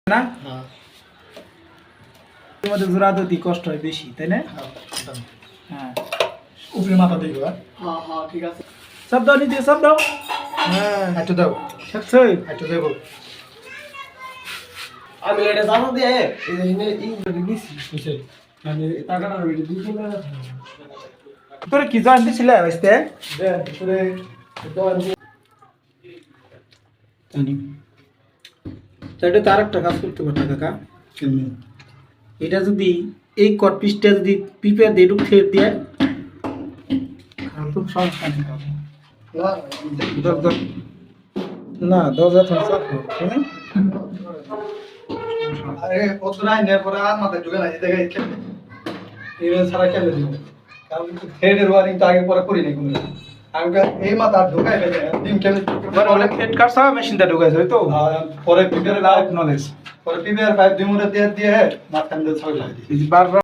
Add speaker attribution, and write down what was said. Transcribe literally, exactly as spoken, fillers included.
Speaker 1: না
Speaker 2: হ্যাঁ
Speaker 1: তোমাদের জোড়া দিতে কষ্ট হয় বেশি তাই না
Speaker 2: হ্যাঁ
Speaker 1: হ্যাঁ
Speaker 2: উপরে মাথা দিই হ্যাঁ
Speaker 3: হ্যাঁ হ্যাঁ ঠিক আছে
Speaker 1: সব দাও নিতে সব দাও হ্যাঁ
Speaker 2: একটু দাও
Speaker 1: সত্যি
Speaker 2: একটু দেবো
Speaker 3: আমি এটা জানো দিয়ে এই যে এই দিছি
Speaker 2: বুঝছে
Speaker 3: আমি টাকাটা রেডি দিছি না
Speaker 1: তোর কি জয়েন দিছিলে আসতে
Speaker 2: দেন উপরে
Speaker 1: জানি তাহলে তো আরেকটা কাজ করতে পারতো কাকা
Speaker 2: কেমনি
Speaker 1: এটা যদি এই কট পিসটা যদি পিপের দিয়ে ঢুক ফের দিয়ে খুব সমস্যা নেই
Speaker 2: না
Speaker 1: দর- দর- না দরজা থাকছে
Speaker 2: আরে ওতরাই নে পরে আর মাথা ঢুকে না এই দেখে কেমনি এই সারা কেমনে দিব কারণ হেডের ওয়ারিং তো আগে পরে করি নাই কোনো আমি কা- এই মাথা ঢুকাই ফেলে ডিম কেমনে
Speaker 1: বলে ফেট কাটছা মেশিনটা ঢুকাইছে হয়তো
Speaker 2: আর পরে পিপের
Speaker 1: লাইভ নলেজ
Speaker 2: পরে পিপের পাইপ ডিমুরে দিয়ে দিয়ে মাথা দিয়ে ছয় লাগে
Speaker 1: বারবার